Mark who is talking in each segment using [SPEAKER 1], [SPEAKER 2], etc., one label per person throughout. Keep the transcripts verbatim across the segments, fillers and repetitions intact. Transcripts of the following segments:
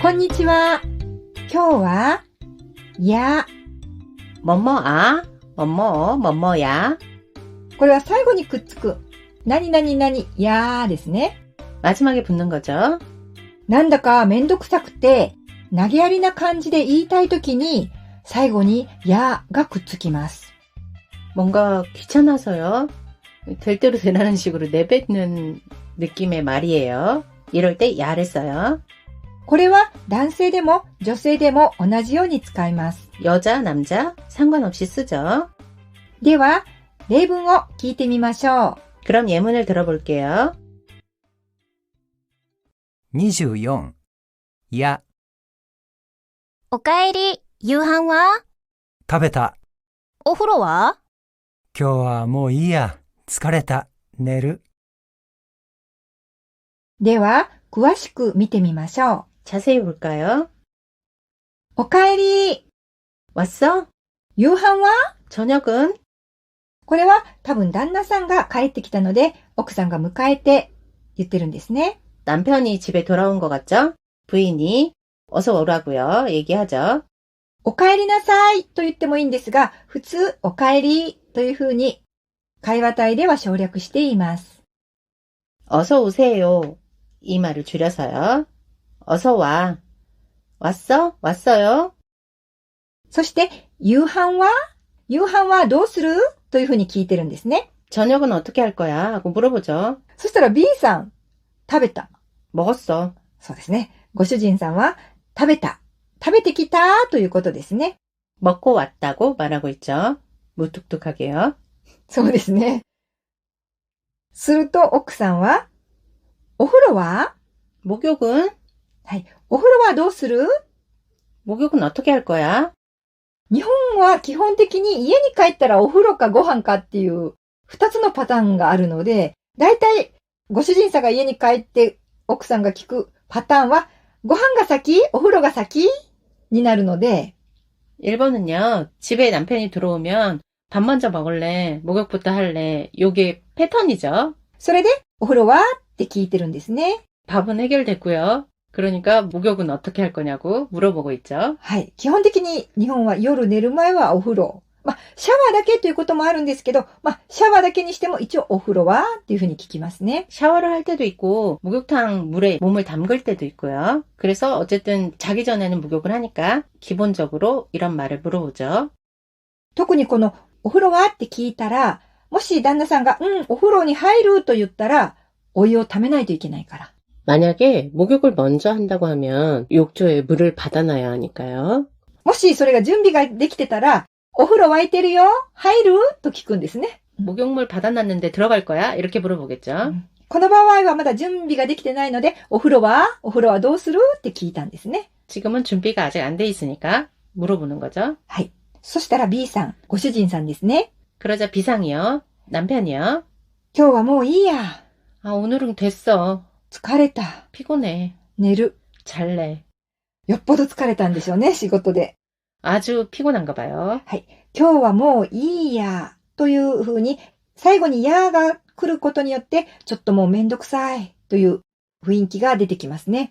[SPEAKER 1] こんにちは。今日は、や、
[SPEAKER 2] 뭐뭐아, 뭐뭐, 뭐뭐야.
[SPEAKER 1] これは最後にくっつく、何々々やですね。
[SPEAKER 2] 마지막에 붙는 거죠.
[SPEAKER 1] なんだかめんどくさくて、投げやりな感じで言いたいときに、最後にやがくっつきます。
[SPEAKER 2] 뭔가 귀찮아서요. 될 대로 되라는 식으로 내뱉는 느낌의 말이에요. 이럴 때 야를 써요.
[SPEAKER 1] これは男性でも女性でも同じように使います。
[SPEAKER 2] 여자, 남자 상관없이 쓰죠.
[SPEAKER 1] では、例文を聞いてみましょう。
[SPEAKER 2] 그럼 예문을 들어볼게요.
[SPEAKER 3] にじゅうよん. や、
[SPEAKER 4] おかえり、夕飯は？
[SPEAKER 3] 食べた。
[SPEAKER 4] お風呂は？
[SPEAKER 3] 今日はもういいや。疲れた。寝る。
[SPEAKER 1] では、詳しく見てみましょう。
[SPEAKER 2] 자세히 볼까요?
[SPEAKER 1] おかえり。
[SPEAKER 2] 왔어?
[SPEAKER 1] 夕飯は？
[SPEAKER 2] 저녁은?
[SPEAKER 1] これは多分旦那さんが帰ってきたので、奥さんが迎えて言ってるんですね。
[SPEAKER 2] 남편이 집에 돌아온 것 같죠? 부인이 어서 오라고요. 얘기하죠.
[SPEAKER 1] おかえりなさいと言ってもいいんですが、普通おかえりというふうに会話体では省略しています。
[SPEAKER 2] 어서 오세요. 이 말을 줄여서요. 어서 와. 왔어? 왔어요?
[SPEAKER 1] そして夕飯は？夕飯はどうする？というふうに聞いてるんですね。
[SPEAKER 2] 저녁은 어떻게 할 거야? 하고 물어보죠.
[SPEAKER 1] そしたら B さん、食べた。
[SPEAKER 2] 먹었어.
[SPEAKER 1] そうですね。ご主人さんは食べた。食べてきたということですね。
[SPEAKER 2] 먹고 왔다고 말하고 있죠. 무뚝뚝하게요.
[SPEAKER 1] そうですね。すると奥さんは、お風呂は？
[SPEAKER 2] 목욕은?
[SPEAKER 1] はい。お風呂はどうする？
[SPEAKER 2] 목욕은 어떻게 할 거야?
[SPEAKER 1] 日本は基本的に家に帰ったらお風呂かご飯かっていう二つのパターンがあるので、だいたいご主人さんが家に帰って奥さんが聞くパターンはご飯が先？お風呂が先？になるので、
[SPEAKER 2] 일본은요. 집에 남편이 들어오면 밥 먼저 먹을래? 목욕부터 할래? 요게 패턴이죠.
[SPEAKER 1] それでお風呂は？って聞いてるんですね。
[SPEAKER 2] 밥은 해결됐고요. 그러니까 목욕은 어떻게 할 거냐고 물어보고 있죠.
[SPEAKER 1] はい。基本的に日本は夜寝る前はお風呂。まあ、シャワーだけということもあるんですけど、まあ、シャワーだけにしても一応お風呂はっていうふうに聞きますね。
[SPEAKER 2] 샤워를 할 때도 있고 목욕탕 물에 몸을 담글 때도 있고요. 그래서 어쨌든 자기 전에는 목욕을 하니까 기본적으로 이런 말을 물어보죠.
[SPEAKER 1] 特にこのお風呂はって聞いたら、もし旦那さんが、うん、お風呂に入ると言ったら、お湯をためないといけないから。
[SPEAKER 2] 만약에 목욕을 먼저 한다고 하면 욕조에 물을 받아놔야 하니까요.
[SPEAKER 1] もしそれが準備ができてたら、お風呂沸いてるよ入ると聞くんですね。
[SPEAKER 2] 목욕물 받아놨는데 들어갈 거야? 이렇게 물어보겠죠.
[SPEAKER 1] この場合はまだ準備ができてないので、お風呂はお風呂はどうするって聞いたんですね。
[SPEAKER 2] 지금은 준비가 아직 안 돼 있으니까 물어보는 거죠.
[SPEAKER 1] はい。そしたら B さん、ご主人さんですね。
[SPEAKER 2] 그러자 B상이요. 남편이요.
[SPEAKER 1] 今日はもういいや。
[SPEAKER 2] 아, 오늘은 됐어.
[SPEAKER 1] 疲れた。
[SPEAKER 2] 피곤해.
[SPEAKER 1] 寝る。
[SPEAKER 2] 잘래.
[SPEAKER 1] よっぽど疲れたんでしょうね、仕事で。
[SPEAKER 2] 아주 피곤한가 봐요.
[SPEAKER 1] はい。今日はもういいや。というふうに、最後にやが来ることによって、ちょっともうめんどくさいという雰囲気が出てきますね。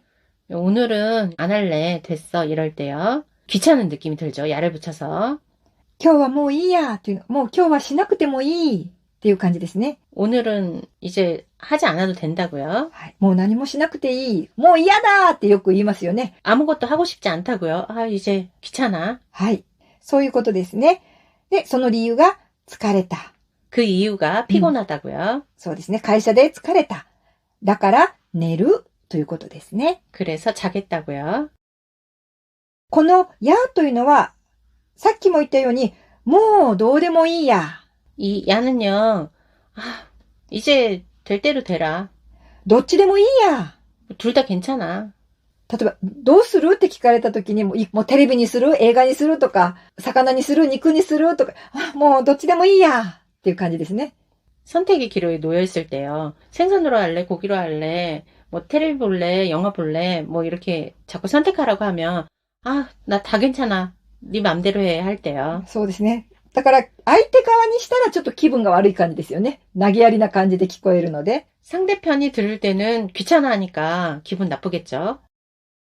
[SPEAKER 2] 오늘은 안 할래. 됐어. 이럴 때요. 귀찮은 느낌이 들죠. 야를 붙여서.
[SPEAKER 1] 今日はもういいや。という、もう今日はしなくてもいい。っていう感じですね。
[SPEAKER 2] 오늘은 이제 하지 않아도 된다고요.
[SPEAKER 1] はい。もう何もしなくていい。もう嫌だってよく言いますよね。
[SPEAKER 2] 아무것도 하고 싶지 않다고요. 아, 이제 귀찮아.
[SPEAKER 1] はい。そういうことですね。で、その理由が疲れた。
[SPEAKER 2] 그 이유가 피곤하다고요.
[SPEAKER 1] そうですね。会社で疲れた。だから寝るということですね。
[SPEAKER 2] 그래서 자겠다고요.
[SPEAKER 1] このやというのは、さっきも言ったように、もうどうでもいいや。
[SPEAKER 2] 이 야는요. 아, 이제 될 대로 되라.
[SPEAKER 1] どっちでもいいや。
[SPEAKER 2] 둘 다 괜찮아.
[SPEAKER 1] 例えば、どうするって聞かれた時にも、もうテレビにする映画にするとか、魚にする肉にするとか、あ、もうどっちでもいいやっていう感じですね。
[SPEAKER 2] 선택의 기로에 놓여 있을 때요. 생선으로 할래? 고기로 할래? 뭐 텔레비 볼래? 영화 볼래? 뭐 이렇게 자꾸 선택하라고 하면 아, 나 다 괜찮아. 네 맘대로 해 할 때요.
[SPEAKER 1] そうですね。だから、相手側にしたらちょっと気分が悪い感じですよね。投げやりな感じで聞こえるので。
[SPEAKER 2] 상대편이 들을 때는 귀찮아하니까 기분 나쁘겠죠.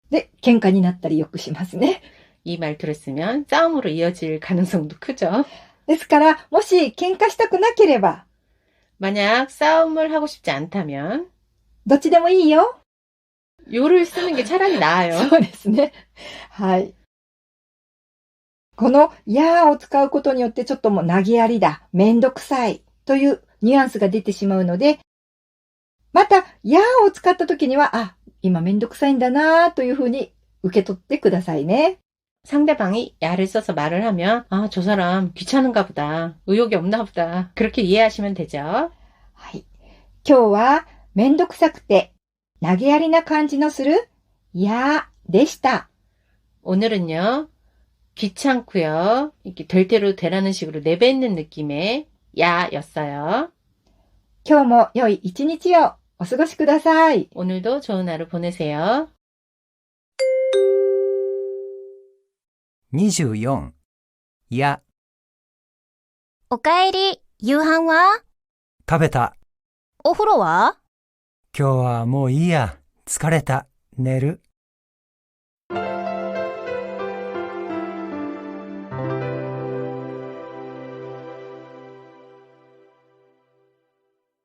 [SPEAKER 1] で、喧嘩になったりよくしますね。
[SPEAKER 2] 이 말투를 쓰면 싸움으로 이어질 가능성도 크죠.
[SPEAKER 1] ですから、もし喧嘩したくなければ、
[SPEAKER 2] 만약 싸움을 하고 싶지 않다면
[SPEAKER 1] どっちでもいいよ。
[SPEAKER 2] 요를 쓰는 게 차라리 나아요.
[SPEAKER 1] そうですね。はい。この、やーを使うことによってちょっともう投げやりだ、めんどくさいというニュアンスが出てしまうので、また、やーを使った時には、あ、今めんどくさいんだなーというふうに受け取ってくださいね。
[SPEAKER 2] 상대방이 야를 써서 말을 하면 아, 저 사람 귀찮은가 보다. 의욕이 없나 보다. 그렇게 이해하시면 되죠.
[SPEAKER 1] はい。今日は、めんどくさくて、投げやりな感じのする、やーでした。
[SPEAKER 2] 오늘은요. 귀찮고요. 이렇게 될 대로 되라는 식으로 내뱉는 느낌의 야였어요.
[SPEAKER 1] 今日も良い一日をお過ごしください。
[SPEAKER 2] 오늘도 좋은 하루 보내세요.
[SPEAKER 3] にじゅうよん、や、
[SPEAKER 4] おかえり、夕飯は？
[SPEAKER 3] 食べた。
[SPEAKER 4] お風呂は？
[SPEAKER 3] 今日はもういいや。疲れた。寝る。